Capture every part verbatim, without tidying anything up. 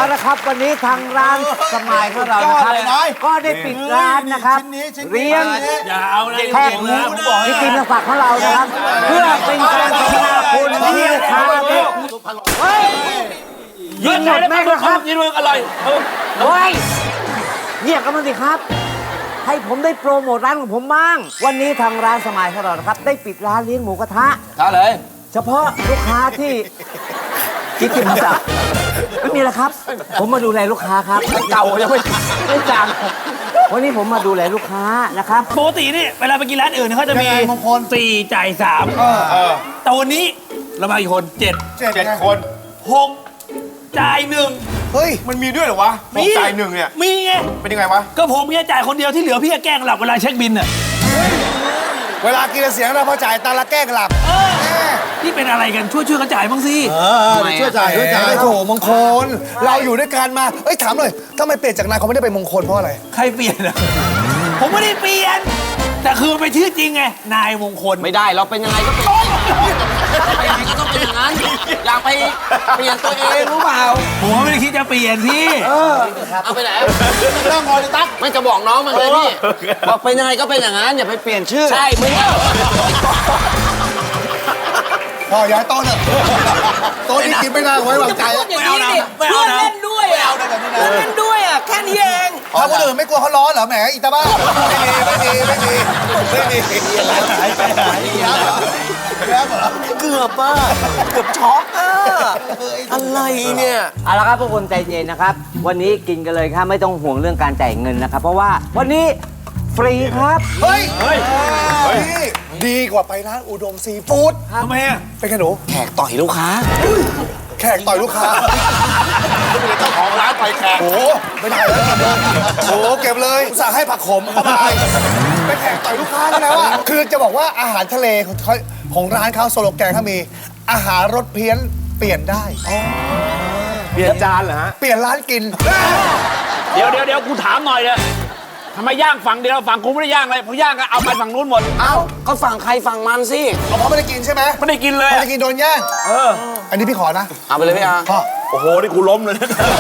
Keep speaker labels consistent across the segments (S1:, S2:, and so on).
S1: เอาละครับวันนี้ทางร้านสมายของเรานะครับก็ได้ปิดร้านนะครับเลี้ยง
S2: อย่าเอาอะไร
S1: แขกหมูที่กินศักดิ์ของเรานะครับเพื่อเป็นการพัฒนาคุณที่ลูกค้าเนี่ยยิงหมดแม่งนะครับ
S2: ยิงเลยอร่อย
S1: โอ้ยเงียบกันมาสิครับ ให้ผมได้โปรโมทร้านของผมบ้างวันนี้ทางร้านสมายของเรานะครับได้ปิดร้านเลี้ยงหมูกระทะ
S2: ท่าเลย
S1: เฉพาะลูกค้าที่กินกินจับไม่มีแล้วครับ ผมมาดูแลลูกค้าครับเก่ายังไม่ไม่จางวันนี้ผมมาดูแลลูกค้านะครับ
S2: ปกตินี่เวลาไปกินร้านอื่นเขาจะมีมงคลสี่จ่ายสามแต่วันนี้เรามากี่คนเจ็ด
S3: เจ็ดคน
S2: หกจ่ายหนึ่ง
S3: เฮ้ยมันมีด้วยเหรอวะมีจ่ายหนึ่งเนี่ย
S2: มีไง
S3: เป็นยังไงวะ
S2: ก็ผมแค่จ่ายคนเดียวที่เหลือพี่แกล้งหลับเวลาเช็คบินอ่ะ
S3: เวลากินเสียงเราพอจ่ายตาละแก้หลับ
S2: นี่เป็นอะไรกันช่วยช่วยกันจ่ายบ้างสิ
S3: ช่วยจ่ายช่วยจ่ายโถมงคลเราอยู่ด้วยกันมาเอ้ยถามหน่อยทำไมเปลี่ยนจากนายเขาไม่ได้ไปมงคลเพราะอะไร
S2: ใครเปลี่ยนอ่ะผมไม่ได้เปลี่ยนแต่คือมันเป็นชื่อจริงไงนายมงคล
S4: ไม่ได้เราเป็นยังไงก็เป็นเป็นยังไงก็ต้องเป็นอย่างนั้นอยากไปเปลี่ยนตัวเองรู้เปล่า
S2: ผมไม่ได้คิดจะเปลี่ยนพี่
S4: เอาไปไหนเรื่องงอเลยตั๊กไม่จะบอกน้องมันเลยพี่บอกเป็นยังไงก็เป็นอย่างนั้นอย่าไปเปลี่ยนชื่อใช่มึง
S3: พ่อย้ายโต๊ะเถอะโต๊ะนี้กินไม่ได้ไว้วางใจ
S2: ไม่เอานะไม่เอา
S4: เพื่อน
S2: นะ
S4: เล่นด้วยอ่ะเพื่อนเล่นด้วยอ่ะแค่นี้เอง
S3: ถ้าคนอื่นไม่กลัวเขาร้อนเหรอแหมอีตาบ้าไม่มีไม่มีไม่มีไม่มีหายไปหายแล้วเหรอ
S4: เกือบอ่ะเกือบช็อกอ่ะอะไรเนี่ย
S1: เอาละครับพวกคนใจเย็นนะครับ วันนี้กินกันเลยครับไม่ต้องห่วงเรื่องการจ่ายเงินนะครับ เพราะว่าวันนี้ฟรีครับ
S3: เฮ้ยเฮ้ยดีกว่าไปร้านอุดมซีฟู้ด
S2: ทำไมอ่ะ
S3: เป็นไงหนู
S4: แขกต่อยลูกค้า
S3: แขกต่อยลูกค้าเจ้าของร้านต่อยแขกโอ้ไม่ได้แล้วโอ้เก็บเลยอุตส่าห์ให้ผักขมเข้าไปไปแขกต่อยลูกค้าแล้วอ่ะคือจะบอกว่าอาหารทะเลของเขาของร้านเขาโซโลแกนเขามีอาหารรสเพี้ยนเปลี่ยนได้เปลี่ยนจานเหรอฮะเปลี่ยนร้านกิน
S2: เดี๋ยวเดี๋ยวเดี๋ยวกูถามหน่อยเลยทำไมย่างฝั่งเดียวฝั่งกูไม่ได้ย่างเลยพอย่างก็เอาไปฝั่งนู้นหมด
S4: เอ้าก็ฝั่งใครฝั่งมันสิ
S3: เขาไม่ได้กินใช่ไหม
S2: ไม่ได้กินเลย
S3: ไม่ได้กินโดนแย่ง
S2: เออ
S3: อันนี้พี่ขอนะ
S4: เอาไปเลยพี่อา
S3: พ่อ
S2: โอ้โหนี่กูล้มเลย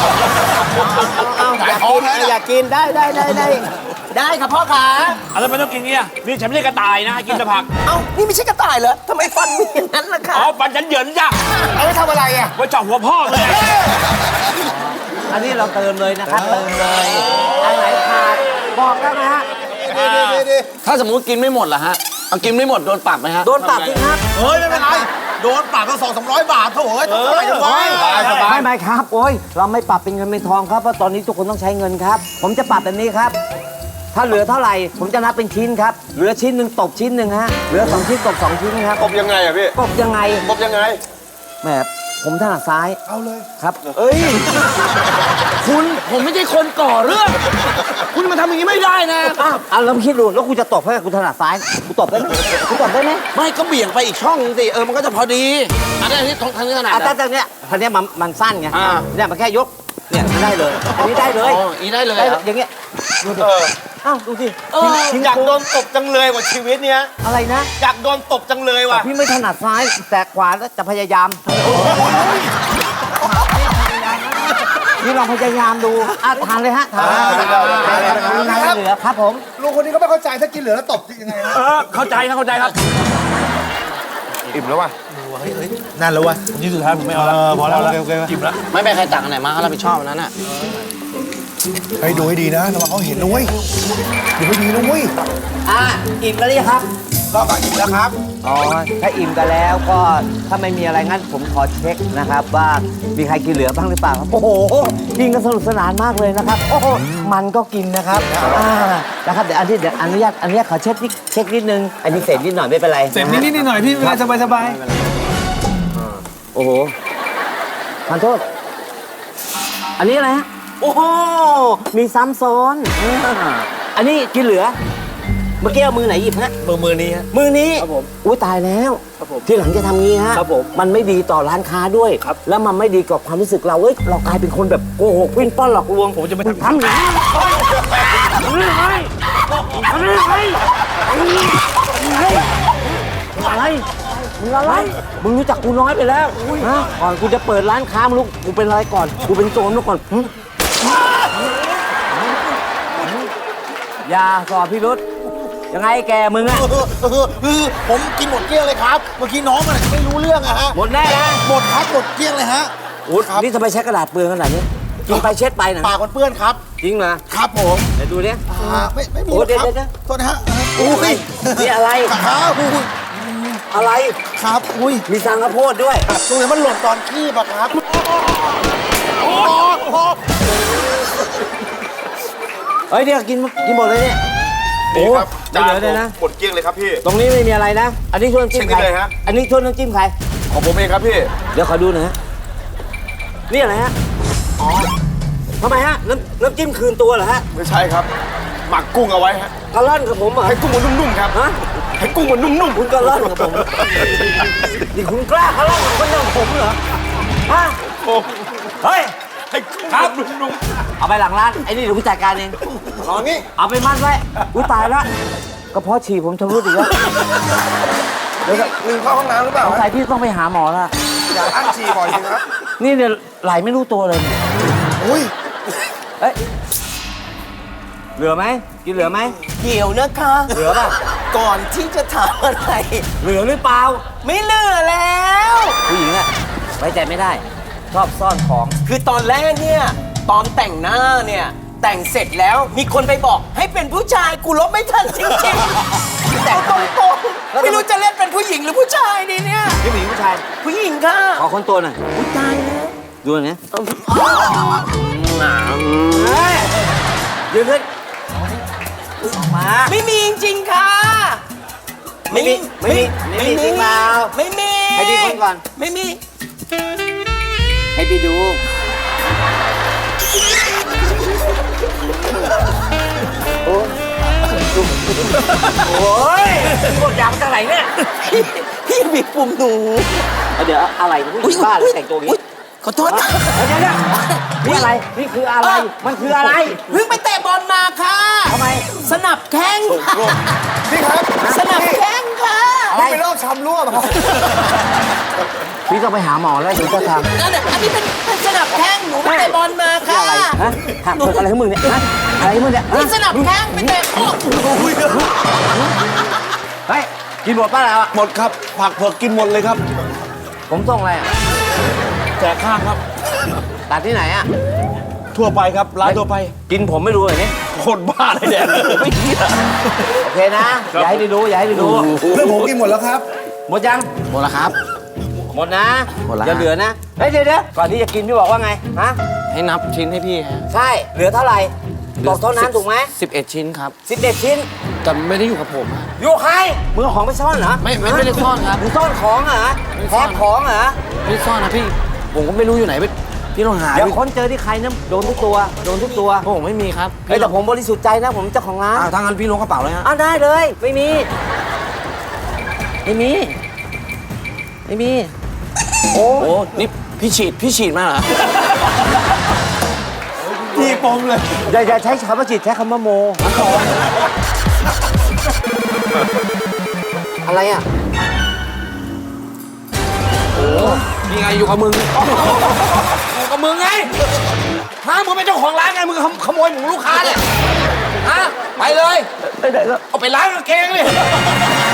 S4: อยากกินอยากกินได้ได้ได้ได้ได้ครับพ่อขา
S2: อะไรไม่ต้องกินเนี่ยนี่ฉันไม่ใช่กระต่ายนะกินแต่ผัก
S4: เอ้านี่ไม่ใช่กระต่ายเหรอทำไมฟันมีอย่างนั้นล่ะคะ
S2: อ๋อฟันฉันเหยินจ้ะ
S3: เอาไปทำอะไรอ่ะ
S2: ไว้เจาะหัวพ่อเลย
S1: อันนี้เราเติมเลยนะครับเติมเลยอันไหนขาดบอกแล้วนะฮะ
S4: ถ้าสมมุติกินไม่หมดล่ะฮะเอากินไม่หมดโดนปรับไหมฮะ
S1: โดนปรับสิครับ
S3: เฮ้ยไม่เป็นไรโดนปรับก็สองสามร้อยบาทเถอะเฮ้ยทำอะไรกันวะ
S1: ไม่ไม่ครับโอ้ยเราไม่ปรับเป็นเงินเป็นทองครับเพราะตอนนี้ทุกคนต้องใช้เงินครับ ผมจะปรับแบบนี้ครับ ถ้าเหลือเท่าไหร่ผมจะนับเป็นชิ้นครับเหลือชิ้นหนึ่งตบชิ้นหนึ่งฮะเหลือสองชิ้นตบสองชิ้นครับ
S3: ตบยังไงอ่ะพี่
S1: ตบยังไง
S3: ตบยังไง
S1: แหมผมถนัดซ้าย
S3: เอาเลย
S1: ครับเอ้ย
S4: คุณผมไม่ใช่คนก่อเรื่อง คุณมาทำอย่างนี้ไม่ได้นะ
S1: อ้าวเอาแล้วคิดดูแล้วกูจะตบให้กูถนัดซ้ายกูตบได้ไหมกูตบได้ไหม
S4: ไม่ก็เบี่ยงไปอีกช่องนึงสิเออมันก็จะพอดีอันนี้อันนี้ทางนี้ขนาด
S1: อ่ะแต่แต่เนี้ยทีเนี้ยมันมันสั้นไง
S4: อ่า
S1: เนี่ยมันแค่ยกเนี่ยได้เลย อันนี้ได้เลย
S4: อ๋ออีได้เลย
S1: ได้
S4: เหร
S1: เล
S4: อย
S1: อย่างเงี้ยดูดิอ้าวดูสิ
S4: เออ
S1: ชิ้น
S3: อยากโดนตบจังเลยว่ะชีวิตเนี้ย
S1: อะไรนะ
S3: อยากโดนตบจังเลยว่ะ
S1: พี่ไม่ถนัดซ้ายแต่ขวาแล้วจะพยายามนี่ลองพยายามดูอ่ะทานเลยฮะทานทานเหลือครับผม
S3: ลุงคนนี้ก็ไม่เข้าใจถ้ากินเหลือแล้วตบยังไงฮะ
S2: เออเข้าใจครับเข้าใจครับ
S3: อิ่มแล้วว่ะนั่นแล้วว่ะ
S2: นี่สุดท้ายผมไม่เอาแล้วพอแล้วจิ้มแล้ว
S4: ไม่เป็นใครตักอันไหนมาเขารับผิดชอบอันนั้นน่ะ
S3: ไปดูให้ดีนะระวังเขาเห็นนะเว้ยดูให้ดีนะเว้ย
S1: อ่ะอิ่มแล้วนี่ครับ
S3: ก็อิ่มแล้วครับ
S1: อ๋อถ้าอิ่มกันแล้วก็ถ้าไม่มีอะไรงั้นผมขอเช็คนะครับว่ามีใครกินเหลือบ้างหรือเปล่าครับโอ้โหกินกันสนุกสนานมากเลยนะครับโอ้โหมันก็กินนะครับอ่านะครับเดี๋ยวอันที่เดี๋ยวอนุญาตอนุญาตขอเช็คนิดเช็คนิดนึงอันนี้เศษนิดหน่อยไม่เป็นไร
S2: เสร็จนิดนิดหน่อยพี่สบายสบาย
S1: โอ้โหขอโทษอันนี้อะไรฮะโอ้โหมีซ้ำซ้อนอ่าอันนี้กินเหลือเมื่อกี้เอามือไหนหยิบฮะ
S2: มือมือนี้ฮะ
S1: มือนี้
S2: ครับผม
S1: อุ้ยตายแล้ว
S2: ครับผม
S1: ทีหลังจะทำงี้ฮะ
S2: ครับผม
S1: มันไม่ดีต่อร้านค้าด้วย
S2: ครับ
S1: แล้วมันไม่ดีกับความรู้สึกเราเอ้ยเรากลายเป็นคนแบบโกหกวิ่งป้อนหลอกลวง
S2: ผมจะไม่ทำ
S1: ทำอย่างนี้ทำยังไงทำยังไงทำยังไงอะไรมึงอะไร มึงรู้จักกูน้อยไปแล้วฮะก่อนกูจะเปิดร้านค้ามึงรู้กูเป็นอะไรก่อน กูเป็นโจรมาก่อนหึอย่าสอบพี่รุษยังไงแกมึงอะ
S3: คือผมกินหมดเกลี้ยงเลยครับ เมื่อกี้น้องมันไม่รู้เรื่องอะฮะ
S1: หมดแน่นะ
S3: หมดครับหมดเกลี้ยงเลยฮะ
S1: อุ๊ยนี่ทำไมใช้กระดาษเปลืองขนาดนี้กินไปเช็ดไปนะ
S3: ปากมันเปื้อนครับ
S1: จริงเหรอ
S3: ครับผม
S1: เดี๋ยวดูดิ
S3: อ่าไม่ไม่มี
S1: โอ้
S3: หรอกครับ
S1: เดี๋ยวเดี๋ยว
S3: โทษนะฮะ
S1: อุ้ยนี่อะไร
S3: ครับอุ้ย
S1: อะไร
S3: ครับอุ้ย
S1: มีสังกะโพดด้วย
S3: ตรงนี้มันหล่นตอนขี้ปะครับ
S1: เฮ้ยเดี๋ยวกินกินหมดเลยเนี่ย
S5: นี่ครับ
S1: โอ้ไม่เหลือเลยนะ
S5: หมดเกลี้ยงเลยครับพี่
S1: ตรงนี้ไม่มีอะไรนะ อันนี้ถ้วยน้ำจิ้ม
S5: เช็ค
S1: ใคร
S5: ได้เลยฮะ
S1: อันนี้ถ้วยน้ำจิ้มใคร
S5: ของผมเองครับพี่
S1: เดี๋ยวขอดูหน่อยฮะ นี่อะไรฮะ อ๋อทำไมฮะ น้ำน้ำจิ้มคืนตัวเหรอฮะ
S5: ไม่ใช่ครับ หมักกุ้งเอาไว้ฮะ
S1: กะล่อนกับผมเหรอ
S5: ให้กุ้งมันนุ่มๆครับ
S1: ฮะ
S5: ให้กุ้งมันนุ่มๆ
S1: คุณกะล่อนกับผม นี่คุณกล้ากะล่อนกับคนอย่างผมเหรอ ฮะ เฮ้ย
S5: ให้กุ้งมันนุ่ม
S1: เอาไปหลังร้าน ไอ้นี่เดี๋ยวผมจัดการเอง
S3: ลองนี่
S1: เอาไปมัดไว้ อุ้ยตายละกระเพาะฉี่ผมชำรุดอีกแล้ว
S3: เดี๋ยวลืมเข้าห้องน้ำหรือเปล่า
S1: สงสัยพี่ต้องไปหาหมอละ
S3: อย่าอั้นฉี่บ่อยสิครับ
S1: นี่เนี่ยไหลไม่รู้ตัวเลย
S3: อุ้ย
S1: เอ้ย เหลือไหม กินเหลือไหม
S4: เดี๋ยวนะคะ
S1: เหลือป่ะ
S4: ก่อนที่จะถามอะไร
S1: เหลือหรือเปล่า
S4: ไม่เหลือแล้ว
S1: ผู้หญิงอะไว้ใจไม่ได้ ชอบซ่อนของ
S4: คือตอนแรกเนี่ย ตอนแต่งหน้าเนี่ย แต่งเสร็จแล้วมีคนไปบอกให้เป็นผู้ชายกูลบไม่ทันจริงๆ แต่ตรงๆไม่รู้จะเล่นเป็นผู้หญิงหรือผู้ชายดีเนี่ย
S1: นี่ผู้หญิงผู้ชาย
S4: ผู้หญิงค่ะ
S1: ขอคนตัวหน่อย
S4: อุ๊ยตายแล้ว
S1: ดูหน่อยนะเฮ้ยยืนขึ้นออกมา
S4: ไม่มีจริงๆค่ะ
S1: ไม่มีไม่มีไม่มีจริงเปล่า
S4: ไม่มี
S1: ให้พี่คนก่อน
S4: ไม่มี
S1: ให้พี่ดูโอ้โอ้ยกดยางจากไหนเนี่ย
S4: พี่บีบปุ่มหนู
S1: เอาเดี๋ยวอะไรผู้หญิงบ้าหรือแต่งตัวอย่าง
S4: อุ๊ย
S1: นี้
S4: ขอโทษ
S1: เดี๋ยวเดี๋ยวเดี๋ยวนี่อะไร นี่คืออะไร มันคืออะไร
S4: เพิ่งไปเตะบอลมาค่ะ
S1: ทำไม
S4: สนับแข้งค่ะ
S3: นี่ครับ
S4: สนับแข้งค่ะ
S3: นี่เป็นโรคช้ำรั่วป่ะครับ
S1: พี่ต้องไปหาหมอแล้วถึงจะทำ
S4: นั่นน่ะอันนี้เป็นเป็นสนับแข้งหนูไปเตะบอลมา
S1: นี่
S4: ค่ะ
S1: อะไรฮะหักเปิดอะไรของมึงเนี่ยฮะอะไรของมึงเนี่ยฮะ
S4: นี่สนับแข้งไปเตะโอ้
S1: เฮ้ย กินหมดป่ะแล้วอ่ะ
S5: หมดครับ ผักเผือกกินหมดเลยครับ
S1: ผมส่งอะไรอ่ะ
S5: แจกข้างครับ
S1: ตัดที่ไหนอ่ะ
S5: ทั่วไปครับ ร้านทั่วไป
S1: กินผมไม่รู้เลยนี่
S5: โคตรบ้าเลยแดดไม่เกี่ย
S1: โอเคนะ อย่าให้ได้รู้ อย่าให้ได้รู้
S3: เรื่องผมกินหมดแล้วครับ
S1: หมดยัง
S4: หมดแล้วครับ
S1: หมดนะ
S4: หมดแล้ว
S1: อย่าเหลือนะ เฮ้ยเดี๋ยวเดี๋ยวก่อนที่จะกินพี่บอกว่าไง ฮะ
S4: ให้นับชิ้นให้พี่ฮะ
S1: ใช่ เหลือเท่าไหร่ บอกเท่านั้นถูกไหม
S4: สิบเอ็ดชิ้นครับ
S1: สิบเอ็ดชิ้น
S4: แต่ไม่ได้อยู่กับผมฮะ
S1: อยู่ใครมึงเอาของไปซ่อนเหรอ
S4: ไม่ไม่ไม่ได้ซ่อนครับ
S1: มึงซ่อนของเหรอ
S4: ไม่ซ่
S1: แพ็
S4: อน
S1: คของเหรอ
S4: ไม่ซ่อนนะพี่ ผมก็ไม่รู้อยู่ไหนพี่พี่ลองหา
S1: เดี๋ยว
S4: ดู
S1: ค้นเจอที่ใครนะโดนทุกตัว โดนทุกตัว
S4: ผมไม่มีครับ
S1: เฮ้ยแต่ผมบริสุทธิ์ใจนะ ผมเจ้าของร้าน
S4: อ้าวถ้างั้นพี่ลงกระเป๋าเลยฮะ
S1: อ้าวได้เลย ไม่มี ไม่มี ไม่มี โอ้
S4: โอ้นี่พี่ฉีดพี่ฉีดมาเหรอ
S5: ที่ปมเลย
S1: อย่าอย่าใช้คำว่าจิตใช้คำว่าโม อะไรอ่ะ
S4: นี่ไงอยู่กับมึง
S2: อยู่กับมึงไงฮะมึงเป็นเจ้าของร้านไง มึงขโขโมยหมูลูกค้าเนี่ยฮะ ไปเลย
S1: ไปไหนแล้ว
S2: เอาไปล้างกางเกงเลย